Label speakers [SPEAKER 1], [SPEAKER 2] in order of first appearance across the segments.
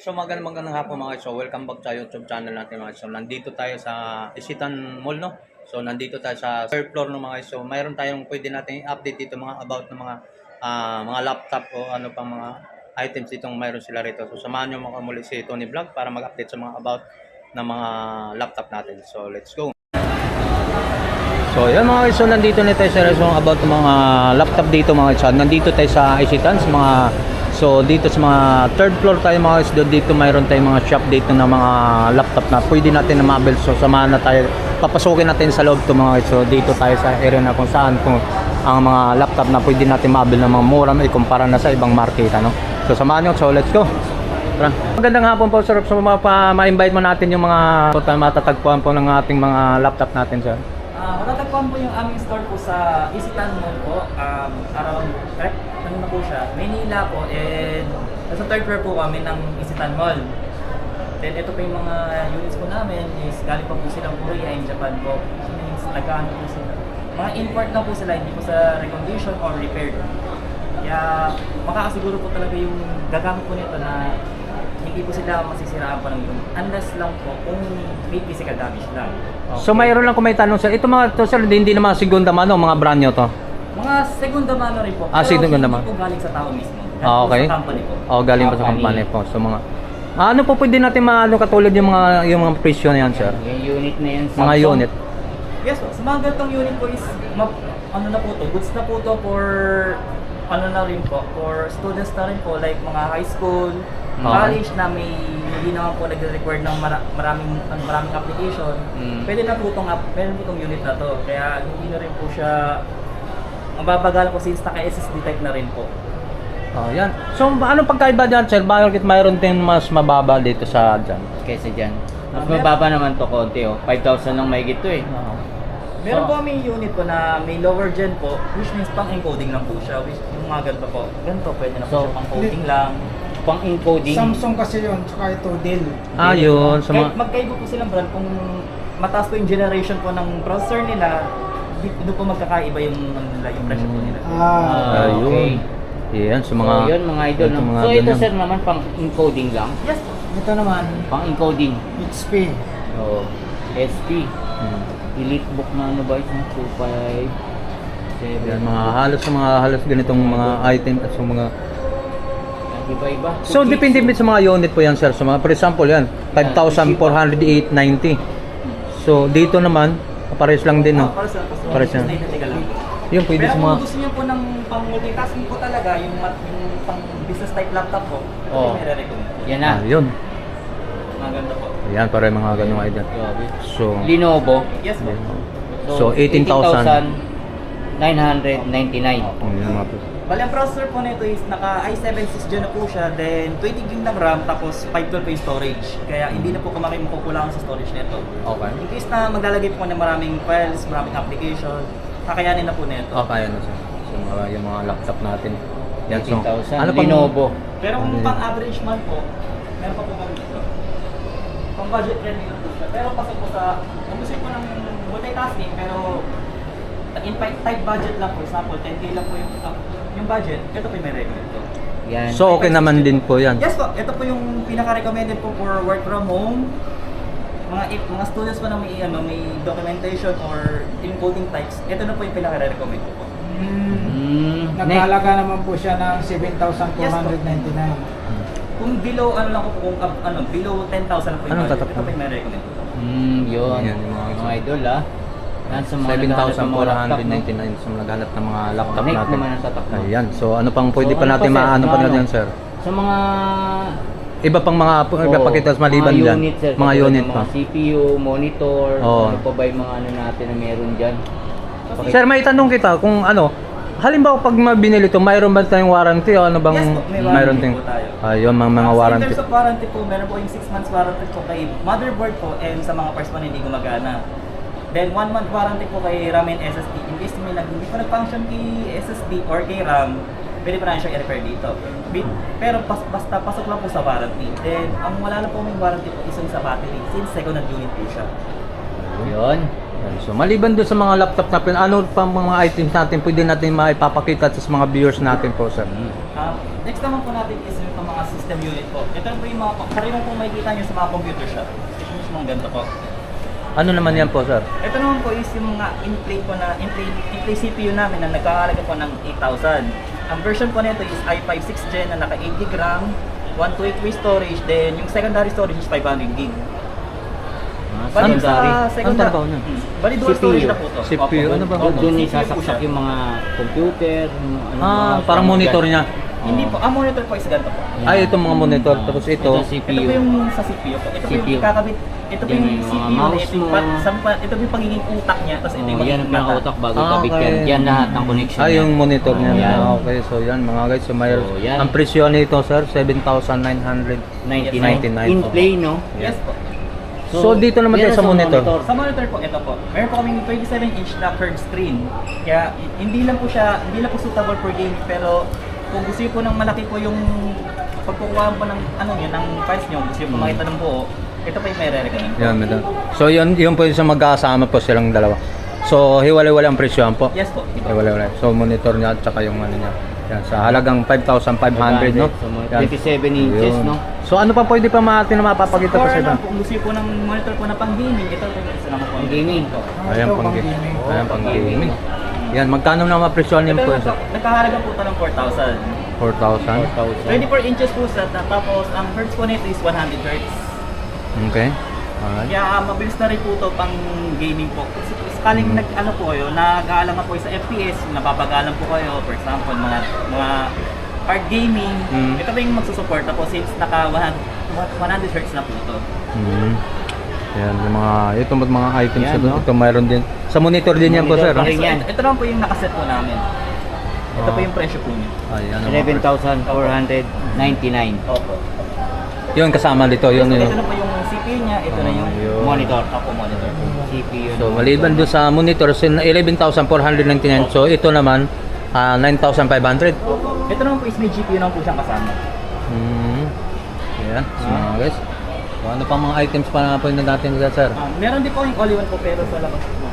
[SPEAKER 1] So magandang hapon mga guys. So welcome back sa YouTube channel natin mga guys. So nandito tayo sa Isitan Mall, no? So nandito tayo sa third floor no mga guys. So mayroon tayong pwede natin i-update dito mga about ng mga laptop o ano pang mga items ditong mayroon sila rito. So samahan niyo mga muli si Tony Vlog para mag-update sa mga about ng mga laptop natin. So let's go. So yan mga guys, so nandito na tayo sa resong about ng mga laptop dito mga guys. Nandito tayo sa Isitan sa mga so dito sa mga third floor tayo mga guys. Dito mayroon tayong mga shop dito na mga laptop na pwede natin na mabel. So samahan na tayo, papasukin natin sa loob to mga guys. So dito tayo sa area na kung saan kung ang mga laptop na pwede natin mabel ng mga mura na ikumpara na sa ibang market ano. So samahan nyo, so let's go. Tara. Magandang hapon po sir. So ma-invite mo natin yung mga matatagpuan po ng ating mga laptop natin sir.
[SPEAKER 2] Matatagpuan po yung aming store po sa Isitan Mall po, around, correct? Ano na po siya? Maynila po, and nasa third floor po kami ng Isitan Mall. Then ito po yung mga units po namin is galing pa po silang Korea and Japan po. So means nagkaano po sila. Mga import na po sila, hindi po sa recondition or repaired. Kaya makakasiguro po talaga yung gagamit po nito na hindi po sila masisiraan pa ng yun. Unless lang po kung may physical damage lang.
[SPEAKER 1] Okay. So mayroon lang kung may tanong sir. Ito mga to sir, hindi naman segunda mano, mga brand nyo to.
[SPEAKER 2] Mga segunda mano rin po.
[SPEAKER 1] Segunda
[SPEAKER 2] hindi
[SPEAKER 1] mano.
[SPEAKER 2] po galing sa tao mismo.
[SPEAKER 1] Okay.
[SPEAKER 2] Sa company po.
[SPEAKER 1] Galing pa sa company po. So mga ano po pwede natin maano katulad yung mga presyo na yan sir?
[SPEAKER 3] Yung unit na yan,
[SPEAKER 1] Mga unit.
[SPEAKER 2] Yes po. Sa mga ganitong unit po is ano na po to, goods na po to for ano na rin po, for students na rin po, like mga high school, college na hindi naman po nagre-require ng maraming application. Pwede na po meron po itong unit na to. Kaya hindi na rin po siya mababagal po since naka-SSD type na rin po.
[SPEAKER 1] Yan. So anong pagkaiba dyan sir? Bakit mayroon din mas mababa dito sa dyan?
[SPEAKER 3] kaysa dyan. Mas mababa naman to konti, 5,000 lang mahigit to eh.
[SPEAKER 2] Meron po may unit po na may lower gen po, which means pang encoding lang po siya, which yung mga ganito po. Ganito pwede na po siya pang coding lang.
[SPEAKER 3] Pang encoding.
[SPEAKER 4] Samsung kasi yun, tsaka ito Dell.
[SPEAKER 1] Yun. Sa mga...
[SPEAKER 2] Magkaiba po silang brand kung mataas po yung generation po ng processor nila, doon po magkakaiba yung presyo po nila.
[SPEAKER 1] Ayun. Yan, sa mga...
[SPEAKER 3] So, yun mga idol.
[SPEAKER 1] ito, mga
[SPEAKER 3] So ito
[SPEAKER 1] ganyan.
[SPEAKER 3] sir naman pang encoding lang.
[SPEAKER 2] Yes po.
[SPEAKER 4] Ito naman,
[SPEAKER 3] Pang encoding.
[SPEAKER 4] HP.
[SPEAKER 3] So, SP. Elite book na ano ba ito? 257.
[SPEAKER 1] Yan, mga halos ganitong mga item at sa mga...
[SPEAKER 3] Iba-iba.
[SPEAKER 1] So depende sa mga unit po yan sir. So mga for example yan, 5,408.90. So dito naman, pares lang din no. Pares lang. Yung pwede
[SPEAKER 2] Pero
[SPEAKER 1] sa mga...
[SPEAKER 2] kung gusto niyo po ng pang multitasking po talaga, yung pang business type laptop po,
[SPEAKER 3] Oh.
[SPEAKER 2] may recommend.
[SPEAKER 3] Yan na.
[SPEAKER 1] Yun.
[SPEAKER 2] Maganda po.
[SPEAKER 1] Yan, para mga ganung item. So...
[SPEAKER 3] Lenovo.
[SPEAKER 2] Yes po.
[SPEAKER 1] So 18,000.
[SPEAKER 3] 18,999.
[SPEAKER 1] Yung mga...
[SPEAKER 2] Bali, ang processor po nito is naka i7 6 Gen na po siya, then 20 GB ng RAM, tapos 512 pa yung storage. Kaya hindi na po kumaki makukulangan sa storage nito.
[SPEAKER 1] Okay.
[SPEAKER 2] In case na maglalagay po ng maraming files, maraming application, kakayanin na po nito.
[SPEAKER 1] Kaya na sir. So yung mga laptop natin. Yan, so...
[SPEAKER 3] 18,000.
[SPEAKER 1] Ano pang...
[SPEAKER 3] Lenovo.
[SPEAKER 2] Pero kung pang average man po, meron pa po kami dito. Pang budget friendly na po siya. Pero pasok po sa, kung gusto po ng multitasking, pero in tight budget lang po, example, 10K lang po yung budget, ito po yung may recommend po.
[SPEAKER 3] Yan.
[SPEAKER 1] So okay naman din po yan.
[SPEAKER 2] Yes po, ito po yung pinaka-recommended po for work from home. Mga students po na may documentation or encoding types, ito na po yung pinaka-recommend po.
[SPEAKER 4] Nagkalaga naman po siya ng 7,499.
[SPEAKER 2] Kung below lang po, kung below 10,000 lang po yung
[SPEAKER 1] Anong
[SPEAKER 2] budget,
[SPEAKER 1] tatak
[SPEAKER 2] ito po yung may recommend po.
[SPEAKER 3] Yun.
[SPEAKER 1] Yan, yung
[SPEAKER 3] Mga idol Yan sa mga naghahanap ng mga laptop, no?
[SPEAKER 1] 7,499 sa naghanap ng mga laptop
[SPEAKER 3] Connect
[SPEAKER 1] natin.
[SPEAKER 3] naman ang tatak mo.
[SPEAKER 1] Ayan. So ano pang pwede
[SPEAKER 3] So,
[SPEAKER 1] pa
[SPEAKER 3] ano
[SPEAKER 1] natin
[SPEAKER 3] pa, sir?
[SPEAKER 1] maano pa
[SPEAKER 3] Ano?
[SPEAKER 1] natin sir?
[SPEAKER 3] Sa mga
[SPEAKER 1] Iba pang mga pakitas maliban
[SPEAKER 3] mga
[SPEAKER 1] dyan.
[SPEAKER 3] unit, sir,
[SPEAKER 1] Mga
[SPEAKER 3] katulad
[SPEAKER 1] unit
[SPEAKER 3] ng
[SPEAKER 1] pa.
[SPEAKER 3] mga CPU, monitor,
[SPEAKER 1] Oo.
[SPEAKER 3] ano pa ba yung mga ano natin na meron dyan.
[SPEAKER 1] Sir, may tanong kita kung ano, halimbawa pag binili ito, mayroon ba tayong warranty o ano bang
[SPEAKER 2] Yes po, may warranty
[SPEAKER 1] mayroon
[SPEAKER 2] po
[SPEAKER 1] ting
[SPEAKER 2] tayo.
[SPEAKER 1] Ayun, mga
[SPEAKER 2] So,
[SPEAKER 1] warranty.
[SPEAKER 2] in terms of warranty po, meron po yung 6 months warranty po kay motherboard po and sa mga parts po na hindi gumagana. Then 1 month warranty po kay RAM and SSD. In case may hindi po nag-function kay SSD or kay RAM, pwede pa na siya i-repair dito. Pero basta pasok lang po sa warranty. Then ang wala na po may warranty po isang sa battery since second hand unit po siya.
[SPEAKER 3] Yun.
[SPEAKER 1] So maliban doon sa mga laptop natin, ano pa mga items natin pwede natin maipapakita sa mga viewers natin po sir?
[SPEAKER 2] Next naman po natin is yung mga mga system unit po. Ito po yung mga, karamihan pong makikita nyo sa mga computer shop. Ito mismo ang ganito po.
[SPEAKER 1] Ano naman yan po, sir?
[SPEAKER 2] Ito naman po is yung mga in-play po na, in-play CPU namin na nagkakalaga po ng 8,000. Ang version po nito is i5 6th gen na naka 8 GB RAM, 128 storage, then yung secondary storage is 500 GB. Bali sa secondary,
[SPEAKER 3] trabaho nun?
[SPEAKER 2] Bali dual storage na po to.
[SPEAKER 1] CPU, ano ba?
[SPEAKER 2] Opo,
[SPEAKER 3] Doon
[SPEAKER 2] CPU po
[SPEAKER 3] isasaksak
[SPEAKER 2] siya.
[SPEAKER 3] yung mga computer, yung ano, mga
[SPEAKER 1] Parang monitor niya.
[SPEAKER 2] Hindi po, ang monitor po is ganito po.
[SPEAKER 1] Ay, itong mga monitor. Tapos ito.
[SPEAKER 3] Ito
[SPEAKER 2] Ito
[SPEAKER 3] CPU.
[SPEAKER 2] po yung sa CPU po. Ito po yung
[SPEAKER 3] CPU.
[SPEAKER 2] ikakabit. Ito po
[SPEAKER 3] Yan
[SPEAKER 2] yung
[SPEAKER 3] yung mga
[SPEAKER 2] CPU na
[SPEAKER 3] mouse
[SPEAKER 2] ito, yung
[SPEAKER 3] mo.
[SPEAKER 2] ito po yung pagiging utak niya. Tapos ito yung
[SPEAKER 3] Yan
[SPEAKER 2] magiging
[SPEAKER 3] ang pinaka-utak bago
[SPEAKER 1] Ah,
[SPEAKER 3] kabit
[SPEAKER 1] okay.
[SPEAKER 3] yan. Yan lahat ng connection.
[SPEAKER 1] Ay, yung monitor niya.
[SPEAKER 3] Yan.
[SPEAKER 1] Okay, so yan mga guys. So, may,
[SPEAKER 3] So, yan.
[SPEAKER 1] ang presyo nito, sir, 7,999.
[SPEAKER 3] 99. In play, no?
[SPEAKER 2] Yes po.
[SPEAKER 1] So, dito naman tayo
[SPEAKER 3] yan
[SPEAKER 1] sa monitor.
[SPEAKER 2] Sa monitor po, ito po. Meron po kaming 27-inch na curved screen. Kaya hindi lang po suitable for game, pero kung gusto niyo po ng malaki po yung pagkukuha po ng ano niyo, ng files niyo, gusto niyo po makita ng buo, ito pa yung may re-recommend.
[SPEAKER 1] Yan, madam. So, yun po yung sa magkasama po silang dalawa. So, hiwalay-walay ang presyohan po.
[SPEAKER 2] Yes po.
[SPEAKER 1] Hiwalay-walay. So, monitor niya at saka yung ano niya. Yan, sa halagang 5,500, no?
[SPEAKER 3] So, mga
[SPEAKER 1] Yan.
[SPEAKER 3] 27 inches,
[SPEAKER 1] Yun.
[SPEAKER 3] no?
[SPEAKER 1] So, ano pa pwede pa natin na mapapakita pa
[SPEAKER 2] Or
[SPEAKER 1] sa
[SPEAKER 2] ano,
[SPEAKER 1] iba?
[SPEAKER 2] kung gusto niyo po ng monitor po na pang gaming, ito po yung isa naman po.
[SPEAKER 3] Pang gaming.
[SPEAKER 1] Ayan,
[SPEAKER 4] Ito,
[SPEAKER 1] pang
[SPEAKER 4] pang
[SPEAKER 1] gaming.
[SPEAKER 4] gaming.
[SPEAKER 1] Ayan, pang gaming. Yan, magkano na mapresyohan niyo
[SPEAKER 2] Ito
[SPEAKER 1] po?
[SPEAKER 2] po, nagkahalaga po ito ng 4,000.
[SPEAKER 1] 4,000?
[SPEAKER 2] 24 inches po sa tapos ang hertz po nito is 100 hertz.
[SPEAKER 1] Okay. Alright.
[SPEAKER 2] Kaya mabilis na rin po ito pang gaming po. Kasi sakaling nag-ano po kayo, nag-aalang po kayo sa FPS, napapagalan po kayo, for example, mga hard gaming, ito ba yung magsusupport po since naka 100 Hz na po ito.
[SPEAKER 1] Yan, yung ito mga items
[SPEAKER 3] Yan, no?
[SPEAKER 1] ito mayroon din. Sa monitor din yan po, sir.
[SPEAKER 3] Monitor pa
[SPEAKER 1] no?
[SPEAKER 3] rin. yan.
[SPEAKER 2] Ito naman po yung nakaset po namin. Ito po
[SPEAKER 1] Ah.
[SPEAKER 2] yung presyo po niya.
[SPEAKER 1] Ayan,
[SPEAKER 3] 11,499.
[SPEAKER 2] Opo.
[SPEAKER 1] Yun, kasama dito. Yun,
[SPEAKER 2] Ito
[SPEAKER 1] yun.
[SPEAKER 2] na po yung CPU niya, ito na yung
[SPEAKER 1] Yun.
[SPEAKER 3] Monitor.
[SPEAKER 2] Opo, monitor.
[SPEAKER 3] CPU.
[SPEAKER 1] So, maliban doon sa monitor, 11,499. So, ito naman, 9,500.
[SPEAKER 2] Ito naman po is may GPU naman po siyang kasama.
[SPEAKER 1] Ayan, so, mga guys. So, ano pang mga items pa na po natin dyan, sir?
[SPEAKER 2] Meron din po yung all-in-one po pero sa labas po.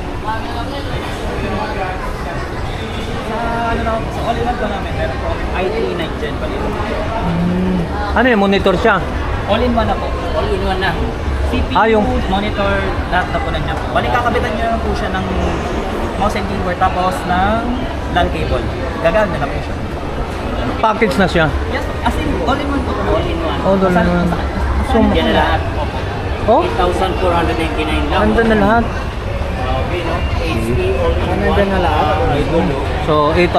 [SPEAKER 2] Sa all-in-one po namin, meron po i3 9th gen pa rin.
[SPEAKER 1] Ano yung monitor siya?
[SPEAKER 2] All-in-one na po.
[SPEAKER 3] All-in-one na.
[SPEAKER 2] CPU,
[SPEAKER 1] yung-
[SPEAKER 2] monitor, lahat na po nandiyan po. Balik kakabitan nyo lang po siya ng mouse and keyboard tapos ng LAN cable. Gagamit na po siya.
[SPEAKER 1] Package na siya.
[SPEAKER 2] Yes, as in all-in-one po.
[SPEAKER 3] All-in-one.
[SPEAKER 1] Oh, doon na naman. So,
[SPEAKER 3] Yan na lahat.
[SPEAKER 1] oh,
[SPEAKER 3] 8,499 lang.
[SPEAKER 1] andun na lahat.
[SPEAKER 3] Okay, no? HP all-in-one.
[SPEAKER 4] Nandun na lahat.
[SPEAKER 3] Idol, no?
[SPEAKER 1] So,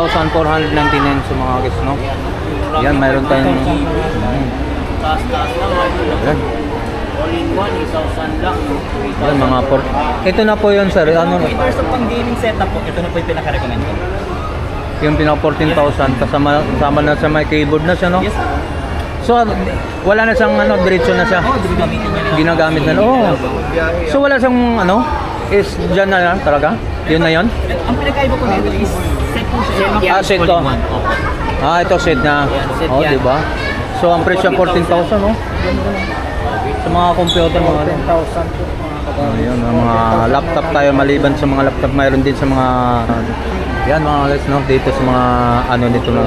[SPEAKER 1] 8,499 sa mga guys, no? Yan, mayroon tayong...
[SPEAKER 3] Taas-taas lang, idol, no?
[SPEAKER 1] Yan.
[SPEAKER 3] All-in-one, 8,000 lang.
[SPEAKER 1] Yan, mga port. Ito na po yun, sir. Ano,
[SPEAKER 2] In terms of pang gaming setup po, ito na po yung pinaka-recommend ko.
[SPEAKER 1] yung pinaka 14,000 kasama na sa may keyboard na siya, no?
[SPEAKER 2] Yes,
[SPEAKER 1] So, wala na siyang ano, diretso na siya.
[SPEAKER 2] gamitin nyo lang.
[SPEAKER 1] Ginagamit na. Oh. So, wala siyang ano, is dyan na lang talaga? Yun na yun?
[SPEAKER 2] Ang pinakaiba po nito is set po siya.
[SPEAKER 1] Ah, set to.
[SPEAKER 3] All-in-one. Opo.
[SPEAKER 1] Ah, ito set na.
[SPEAKER 3] Set
[SPEAKER 1] Oh,
[SPEAKER 3] yan.
[SPEAKER 1] di ba? So, ang presyo 14,000, no? Sa mga computer, mga
[SPEAKER 4] 10,000 po.
[SPEAKER 1] Ayun, ang mga laptop tayo maliban sa mga laptop, mayroon din sa mga yan mga guys, no? Dito sa mga ano nito na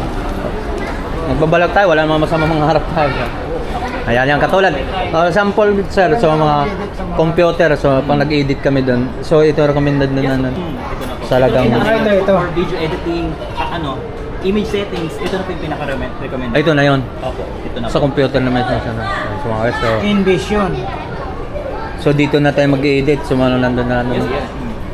[SPEAKER 1] nagbabalag tayo, wala namang masama mga harap tayo. Ayan, yan katulad. Sample sir, so mga computer, so pag nag-edit kami doon. So ito recommended na
[SPEAKER 2] Ito na po.
[SPEAKER 1] sa lagang
[SPEAKER 4] Ito.
[SPEAKER 2] For video editing, image settings, ito na po yung pinaka-recommend.
[SPEAKER 1] Ay, ito na yon.
[SPEAKER 2] Opo, ito na
[SPEAKER 1] Sa
[SPEAKER 2] po.
[SPEAKER 1] computer naman siya sana. So mga guys,
[SPEAKER 4] Envision.
[SPEAKER 1] so dito na tayo mag-edit, so ano nandun na ano.
[SPEAKER 2] Yes, yes.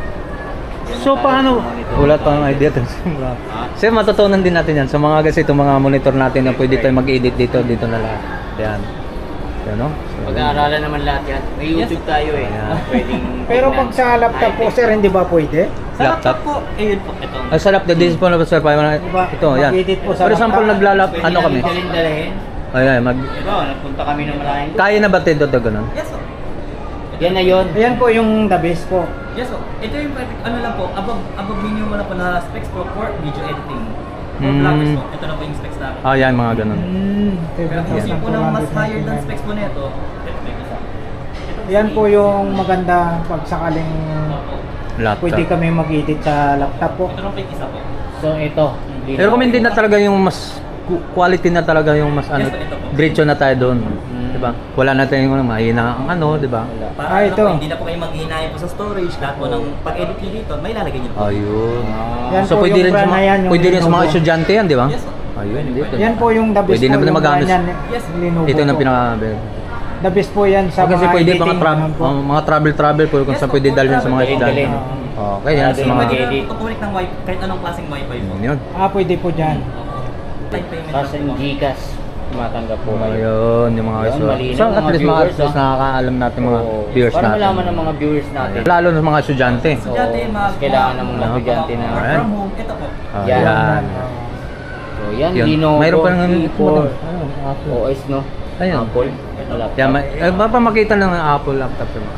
[SPEAKER 1] So paano? Wala pa ang idea tayo simula. Kasi matutunan din natin yan. So mga guys, itong mga monitor natin na pwede tayo mag-edit dito na lahat. Yan. Yan, no? So,
[SPEAKER 3] Pag-aaralan naman lahat yan. May YouTube tayo eh.
[SPEAKER 1] Ayan.
[SPEAKER 3] Pwedeng
[SPEAKER 4] Pero pag sa laptop po, sir, hindi ba pwede?
[SPEAKER 2] Sa
[SPEAKER 1] Laptop.
[SPEAKER 2] laptop po, ayun po, ito.
[SPEAKER 1] Ay, sa laptop, this is po na sir,
[SPEAKER 4] Diba?
[SPEAKER 1] ito, yan.
[SPEAKER 4] Mag-edit po sa
[SPEAKER 1] For example,
[SPEAKER 4] laptop.
[SPEAKER 1] naglalap,
[SPEAKER 3] Pwede
[SPEAKER 1] ano kami?
[SPEAKER 3] namin dalhin.
[SPEAKER 1] Ayan,
[SPEAKER 3] Ito, nagpunta kami ng maraming.
[SPEAKER 1] kaya na ba ito ito ganun?
[SPEAKER 2] Yes, po.
[SPEAKER 3] Yan na yun.
[SPEAKER 4] Ayan po yung the best po.
[SPEAKER 2] Yes, po. Ito yung perfect, ano lang po, above minimum na po na specs po for video editing. For vloggers po, ito na po yung specs namin.
[SPEAKER 1] Ah, yan, mga ganun.
[SPEAKER 2] Pero kung gusto po ng mas higher than specs po nito, ito po yung isa.
[SPEAKER 4] Yan po yung maganda pag sakaling
[SPEAKER 1] Laptop.
[SPEAKER 4] pwede kami mag-edit sa laptop po.
[SPEAKER 2] Ito na po yung isa po.
[SPEAKER 3] So ito.
[SPEAKER 1] Pero recommended na talaga yung mas quality na talaga yung mas ano,
[SPEAKER 2] Yes, ito po.
[SPEAKER 1] diretso na tayo doon.
[SPEAKER 3] Mm.
[SPEAKER 1] 'Di ba? Wala na tayong mahina ang ano, 'di ba?
[SPEAKER 3] Wala.
[SPEAKER 2] Para
[SPEAKER 4] Ah,
[SPEAKER 2] ano
[SPEAKER 4] ito.
[SPEAKER 2] po, hindi na po kayo mag-iinayin po sa storage. Lahat po ng pag-edit nyo dito, may lalagay nyo po.
[SPEAKER 1] Ayun.
[SPEAKER 4] Yan
[SPEAKER 1] So
[SPEAKER 4] po
[SPEAKER 1] pwede
[SPEAKER 4] yung
[SPEAKER 1] rin sa
[SPEAKER 4] brand na yan,
[SPEAKER 1] mga,
[SPEAKER 4] yung
[SPEAKER 1] pwede rin sa mga
[SPEAKER 4] Lenovo.
[SPEAKER 1] estudyante yan, di ba?
[SPEAKER 2] Yes, po.
[SPEAKER 1] Ayun, dito.
[SPEAKER 4] Yan po yung the best
[SPEAKER 1] Pwede
[SPEAKER 4] po,
[SPEAKER 1] naman na
[SPEAKER 4] yung
[SPEAKER 1] magamit.
[SPEAKER 4] brand yan,
[SPEAKER 2] Yes.
[SPEAKER 4] Lenovo
[SPEAKER 1] Ito na
[SPEAKER 4] po.
[SPEAKER 1] pinaka
[SPEAKER 4] The best po yan sa
[SPEAKER 1] kasi
[SPEAKER 4] mga
[SPEAKER 1] pwede
[SPEAKER 4] editing.
[SPEAKER 1] mga
[SPEAKER 4] ano po.
[SPEAKER 1] mga travel po kung
[SPEAKER 2] Yes,
[SPEAKER 1] saan
[SPEAKER 2] po,
[SPEAKER 1] pwede dalhin sa mga
[SPEAKER 3] travel.
[SPEAKER 1] estudyante.
[SPEAKER 3] Dalhin.
[SPEAKER 1] Okay, yan sa
[SPEAKER 3] Dalhin
[SPEAKER 1] mga
[SPEAKER 3] mag-edit.
[SPEAKER 2] Pag-connect ng wifi, kahit anong klaseng wifi po.
[SPEAKER 1] yun.
[SPEAKER 4] Pwede po dyan.
[SPEAKER 2] Time payment
[SPEAKER 3] Tapos
[SPEAKER 2] lang
[SPEAKER 3] yung
[SPEAKER 2] po.
[SPEAKER 3] Gcash, tumatanggap po kayo.
[SPEAKER 1] Ayun, yung mga
[SPEAKER 3] Yun,
[SPEAKER 1] so,
[SPEAKER 3] malinaw,
[SPEAKER 1] so at
[SPEAKER 3] mga
[SPEAKER 1] least
[SPEAKER 3] viewers,
[SPEAKER 1] nakakaalam natin mga
[SPEAKER 3] Oo.
[SPEAKER 1] viewers
[SPEAKER 3] Para
[SPEAKER 1] natin.
[SPEAKER 3] malaman ng mga viewers natin.
[SPEAKER 1] Lalo na mga estudyante.
[SPEAKER 2] Estudyante,
[SPEAKER 3] Oo,
[SPEAKER 2] mga
[SPEAKER 3] mas kailangan ng mga estudyante na-
[SPEAKER 2] work from home, ito po.
[SPEAKER 3] Yan.
[SPEAKER 1] Ayan.
[SPEAKER 3] So yan,
[SPEAKER 1] Yun.
[SPEAKER 3] Lenovo
[SPEAKER 1] Mayroon pa ng
[SPEAKER 3] T4
[SPEAKER 1] ano, Apple.
[SPEAKER 3] OS, no?
[SPEAKER 1] Ayun.
[SPEAKER 3] Apple. Laptop.
[SPEAKER 1] Yan, mapamakita ng Apple laptop yun.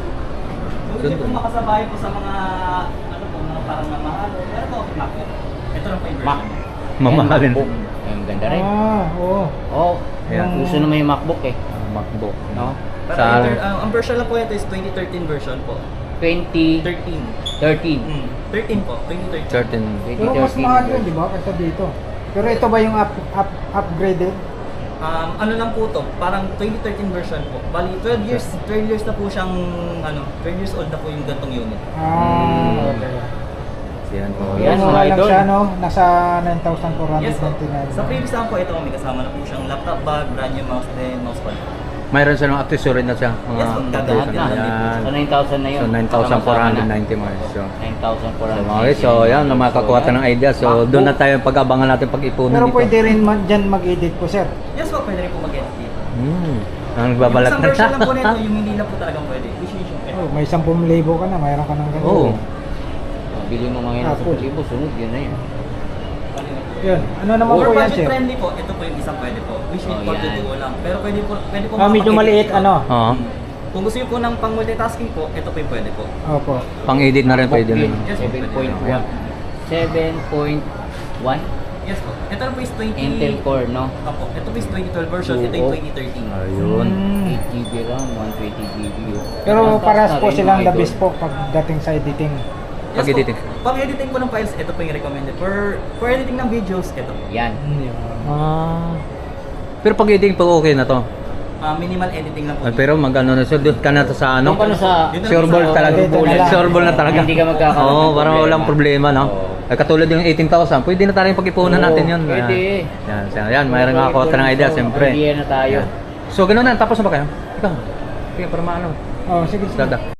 [SPEAKER 2] Kung hindi po makasabay po sa mga, ano po, mga parang mamahal. Pero po, Mac po. Ito lang po yung
[SPEAKER 3] Mac.
[SPEAKER 2] version.
[SPEAKER 1] Mamahalin.
[SPEAKER 3] MacBook. Ayun, ganda rin.
[SPEAKER 4] Oo.
[SPEAKER 3] Oh,
[SPEAKER 1] Ayan.
[SPEAKER 3] gusto naman yung MacBook eh.
[SPEAKER 1] MacBook.
[SPEAKER 3] No?
[SPEAKER 2] Pero
[SPEAKER 1] Sa
[SPEAKER 2] ang version lang po ito is 2013 version po.
[SPEAKER 3] 2013.
[SPEAKER 2] 13. 13 po, 2013.
[SPEAKER 1] certain
[SPEAKER 4] Pero mas mahal yun, di ba? Kaysa dito. Pero ito ba yung upgraded?
[SPEAKER 2] Ano lang po to, parang 2013 version po. Bali 12 years na po siyang 12 years old na po yung gantong unit.
[SPEAKER 4] Okay.
[SPEAKER 1] yan po.
[SPEAKER 3] Yan,
[SPEAKER 4] Yan,
[SPEAKER 3] mga
[SPEAKER 4] mura lang
[SPEAKER 3] idol.
[SPEAKER 4] siya, no? Nasa
[SPEAKER 2] Yes po.
[SPEAKER 4] 9,499.
[SPEAKER 2] Sa previous lang po ito, may kasama na po siyang laptop bag, brand new mouse din, mousepad.
[SPEAKER 1] Mayroon silang accessory na siya. Mga
[SPEAKER 2] Yes,
[SPEAKER 3] Lahat na.
[SPEAKER 1] yan.
[SPEAKER 3] So 9,000 na yun.
[SPEAKER 1] So 9,490 mga so.
[SPEAKER 3] 9,490.
[SPEAKER 1] Okay, so yan, makakuha tayo ng idea. So doon na tayo pag-abangan natin pag-ipunan
[SPEAKER 4] Pero
[SPEAKER 1] dito.
[SPEAKER 4] pwede rin dyan mag-edit po, sir.
[SPEAKER 2] Yes po, pwede rin po mag-edit dito.
[SPEAKER 1] Ang nagbabalat
[SPEAKER 2] Yung
[SPEAKER 1] na
[SPEAKER 2] isang version lang po nito, yung hindi lang po talagang pwede. Which is yung ito.
[SPEAKER 4] Oh, may 10,000 ka na, mayroon ka ng ganito.
[SPEAKER 1] Oo.
[SPEAKER 3] Bili mo mga
[SPEAKER 4] Apple.
[SPEAKER 3] 1,000, sunod yun na yun.
[SPEAKER 4] Yun. Ano naman
[SPEAKER 2] For
[SPEAKER 4] po yan,
[SPEAKER 2] budget
[SPEAKER 4] sir?
[SPEAKER 2] friendly po, ito po yung isang pwede po. Which is
[SPEAKER 3] Oh,
[SPEAKER 2] for
[SPEAKER 3] yan.
[SPEAKER 2] to duo lang. Pero pwede po
[SPEAKER 4] Medyo
[SPEAKER 2] makapag-edit
[SPEAKER 4] maliit,
[SPEAKER 2] ito.
[SPEAKER 4] ano?
[SPEAKER 1] Oo.
[SPEAKER 2] Kung gusto niyo po ng pang multitasking po, ito po yung pwede po.
[SPEAKER 4] Opo.
[SPEAKER 1] Pang-edit na rin pwede rin.
[SPEAKER 2] Yes,
[SPEAKER 3] 7.1. 7.1
[SPEAKER 2] Yes po. Ito po is 20...
[SPEAKER 3] Intel Core, no?
[SPEAKER 2] Opo. Ito po is 2012 version, ito yung 2013.
[SPEAKER 1] Ayun.
[SPEAKER 3] 8 GB RAM, 120 GB.
[SPEAKER 4] Pero
[SPEAKER 3] Ang taas
[SPEAKER 4] paras
[SPEAKER 3] na
[SPEAKER 4] po
[SPEAKER 3] rin,
[SPEAKER 4] silang
[SPEAKER 3] mga
[SPEAKER 4] the
[SPEAKER 3] idol.
[SPEAKER 4] best po pagdating sa editing.
[SPEAKER 2] Yes
[SPEAKER 1] Pag-editing.
[SPEAKER 2] po. Pag-editing po ng files, ito po yung recommended. For editing ng videos, ito po.
[SPEAKER 3] Yan.
[SPEAKER 1] Pero pag-editing pa okay na to.
[SPEAKER 2] Minimal editing lang po.
[SPEAKER 1] Ay, pero mag-ano na siya, doon ka na sa ano?
[SPEAKER 3] Doon ka na sa-
[SPEAKER 1] Sure ball talaga.
[SPEAKER 4] Dito na lang.
[SPEAKER 1] Sure ball na talaga.
[SPEAKER 3] Hindi ka magkakaroon
[SPEAKER 1] Oo,
[SPEAKER 3] ng
[SPEAKER 1] parang
[SPEAKER 3] problema.
[SPEAKER 1] walang problema, no?
[SPEAKER 3] Oo.
[SPEAKER 1] Ay, katulad yung 18,000, pwede na tayo pag-ipunan
[SPEAKER 3] Oo,
[SPEAKER 1] natin yun.
[SPEAKER 3] pwede.
[SPEAKER 1] Yan, mayroon nga ako ng idea, siyempre.
[SPEAKER 3] Idea na tayo.
[SPEAKER 1] So, gano'n na, tapos na ba kayo? Ikaw, para maano.
[SPEAKER 4] Oh, sige, sige.
[SPEAKER 1] Dada.